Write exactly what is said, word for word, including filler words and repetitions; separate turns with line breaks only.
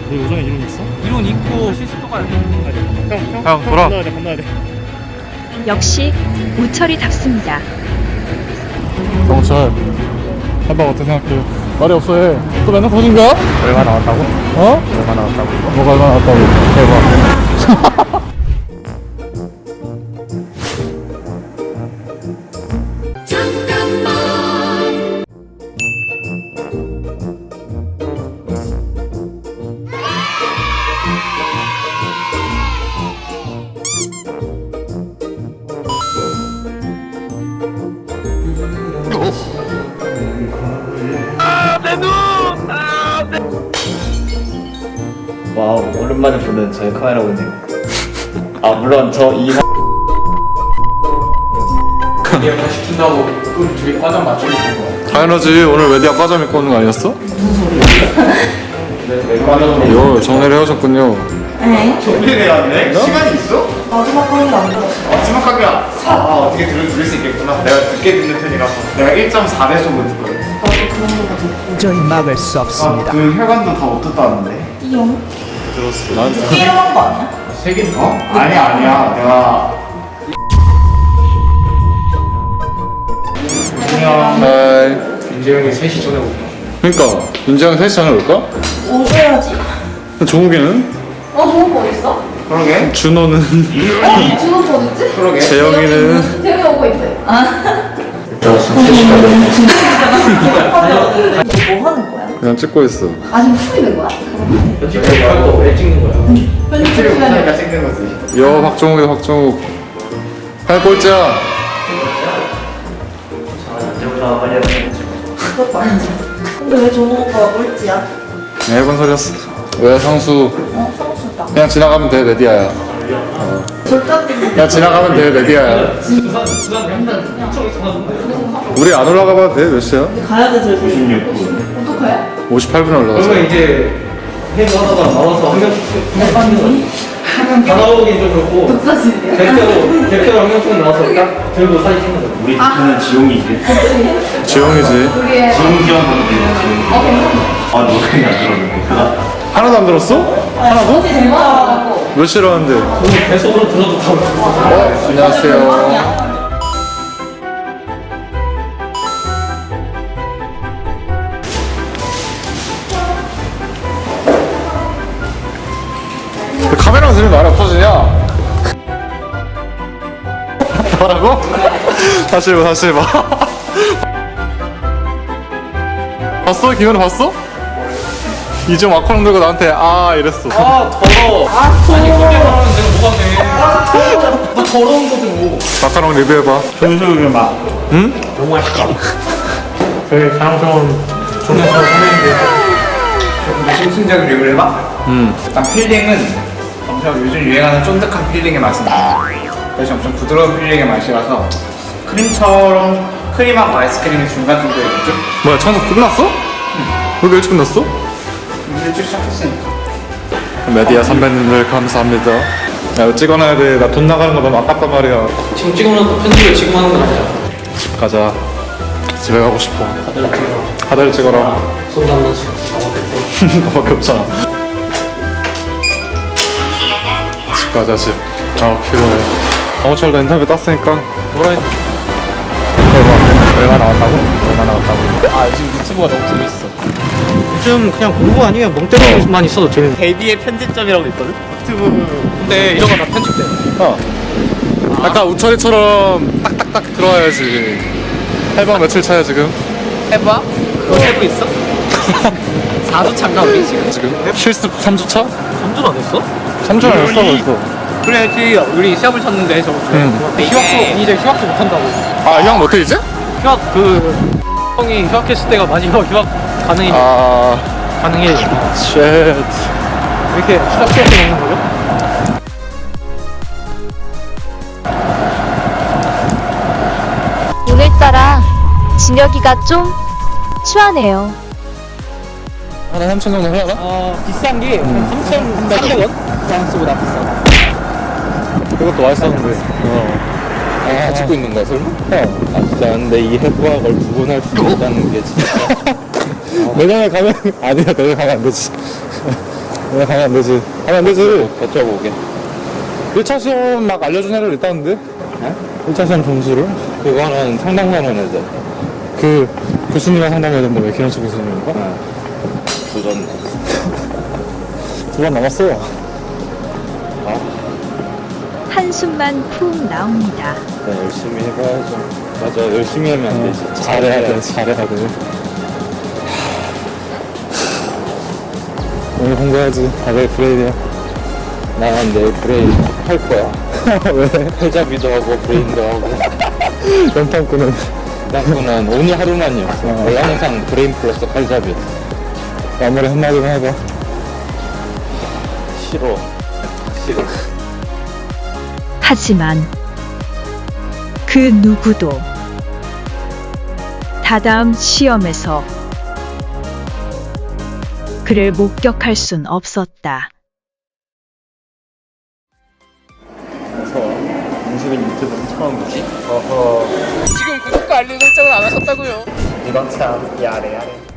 너 요정에 이론 있어?
이론 있고 실습도 가야 돼.
형, 형,
형, 돌아.
건너야 돼, 건너야 돼.
역시 우철이답습니다.
정철 해봐 어떻게 생각해? 말이 없어 해. 또 맨날 터진 거야?
얼마 나왔다고?
어?
얼마 나왔다고?
뭐가 얼마 나왔다고 해봐.
와우, 오랜만에 보는 저의 카메라군요. 아 물론 저 이
이게 다 시킨다고 그럼 둘이 과장 맞추고 있는 거야.
당연하지. 오늘 웨디아 과잠 입고 오는 거 아니었어? 요 정리를 헤어졌군요.
정리를 해왔네? 시간이 있어?
마지막 강의 안 들었어.
마지막 강의야. 아, 아 어떻게 들을, 들을 수 있겠구나. 내가 늦게 듣는 편이라서 내가 일 점 사 배속으로 듣거든.
나도 그 정도가 듣고.
도저히 막을 수 없습니다.
아, 그 혈관도 다 못 듣다는데.
이용?
들었어. 나한테.
이용한 거 아니야?
세긴 더? 아니야 아니야 내가 안녕.
하이.
민재 형이 세 시 전에 오고.
그러니까 윤지영 셋이 전에 올까?
오셔야지.
종욱이는?
어, 좋은 거 있어?
그러게
준호는?
어? 준호 거 어딨지?
그러게
재영이는?
재영이 오고 있대. 아.
저 세 시까지
이거 뭐 하는 거야?
그냥 찍고 있어.
아, 지금 풀리는 거야?
편집할 거왜 찍는 거야?
편집
필요
시간에.
못하니까 찍는 거지.
여 박종욱이다 박종욱. 할 꼴찌야.
그것도 아니지. 근데 왜 준호 오빠가 꼴찌야?
그냥 해본 소리였어. 왜 성수?
어, 성수다.
그냥 지나가면 돼 메디아야.
절대 때문에.
그냥 지나가면 돼 메디아야. 우리 안 올라가봐도 돼. 몇 시야?
가야 돼, 저기. 오십육 분. 어떡해?
오십팔 분에 올라가자.
그러면 이제 회의 하다가 나와서 한 명씩 다 나오긴 좀 그렇고
독사진이야?
대표로 대표로 한 명씩 나와서 딱 들고 사진 찍는 거야.
우리 팀은 지용이지.
지영이지.
우리의.
지용 지원 받는데 지용.
어, 괜찮아.
아 누가 그냥 안 들었는데 그거.
하나도 안 들었어?
하나도? 제일 많아가지고.
몇 시로 하는데?
오늘 배속으로 들어도 다
어? 안녕하세요. 왜 카메라만 들면 말이 없어지냐? 뭐라고? 다시 해봐 다시 해봐. 봤어? 김현우 봤어? 이좀 와커롱 들고 나한테 아 이랬어.
아 더러워. 아 더러워. 아니 그때 말하면 내가 뭐가 돼. 아 더러워. 너 더러운 거지 뭐.
마카롱 리뷰해봐.
전술 막
응?
너무 맛있다. 저희 자랑스러운 종에서 선생님들.
조금 심층적인 리뷰를 해봐.
응.
일단 필링은 엄청 요즘 유행하는 쫀득한 필링의 맛이 나. 그래서 엄청 부드러운 필링의 맛이라서 크림처럼 크림하고 아이스크림의 중간 정도의 느낌?
뭐야 청소 끝났어? 응. 왜 이렇게 일찍 끝났어?
일찍 시작했으니까.
메디아 선배님들 감사합니다. 야 이거 찍어놔야 돼. 나 돈 나가는 거 너무 아깝단 말이야.
지금 찍어놓고 편집을 지금 하는 건 아니야.
집 가자. 집에 가고 싶어.
다들 찍어.
다들 찍어라.
손도 안 넣지.
너밖에 없잖아. 집 가자 집. 아 필요해. 강호철도 인터뷰 땄으니까 뭐라 했.
얼마 나왔다고? 얼마 나왔다고?
아 요즘 유튜브가 너무 재밌어.
요즘 그냥 공부 아니면 멍때리만 있어도 재밌는.
데뷔의 편집점이라고 있거든? 유튜브
근데 이런 거 다 편집돼.
어. 약간 우철이처럼 딱딱딱 들어와야지. 해방 며칠 차야 지금?
해봐. 그거 세고 있어? 사 주 차인가 우리 지금?
지금? 실습 삼 주 차?
삼 주도 안 했어?
삼 주는 했어 벌써.
그래야지 우리 시합을 쳤는데 저번 주에.
응.
근데 휴학수 이제 휴학수 못 한다고.
아 형 못해 이제?
휴학 그 형이 휴학했을 때가 마지막 휴학 가능해
아...
가능해.
쉣.
왜 이렇게 추락스럽게 먹는 거죠?
오늘따라 진혁이가 좀 추하네요.
하나 삼천 정도 하나?
어 비싼 게 삼천삼백 원? 프랑스보다 비싸.
그것도 맛있었는데. 어. 아, 찍고 있는 거야, 설마? 어. 아, 진짜. 근데 이 해부학을 두 번 할 수 있다는 게 진짜. 내년에 가면, 아니야, 내년에 가면 안 되지. 왜 가면 안 되지? 가면 안 되지. 여쭤보게. 일 차 시험 막 알려준 애들 있다는데?
네?
일 차 시험 점수를?
그거는 상당하는 애들.
그 교수님이랑 상담해야 된다. 왜 기현수 교수님인가?
네. 도전.
두 번 남았어.
한숨만 푹 나옵니다.
네, 열심히 해봐야죠. 맞아, 열심히 하면 안 되지.
어, 잘해야 돼. 잘해야 돼. 오늘 공부해야지. 다들 브레인이야.
난 내일 브레인 할 거야.
왜?
회잡이도 하고 브레인도 하고.
연탄꾼은
땅꾸는 오늘 하루만이었어.
어.
원래 항상 브레인 플러스 칼잡이였어.
마무리 한마디만 해봐.
싫어. 싫어.
하지만 그 누구도 다다음 시험에서 그를 목격할 순 없었다.
인수빈 유튜브는 처음이지?
지금 구독과 알림 설정을 안 하셨다고요?
이건 참 야래 야래.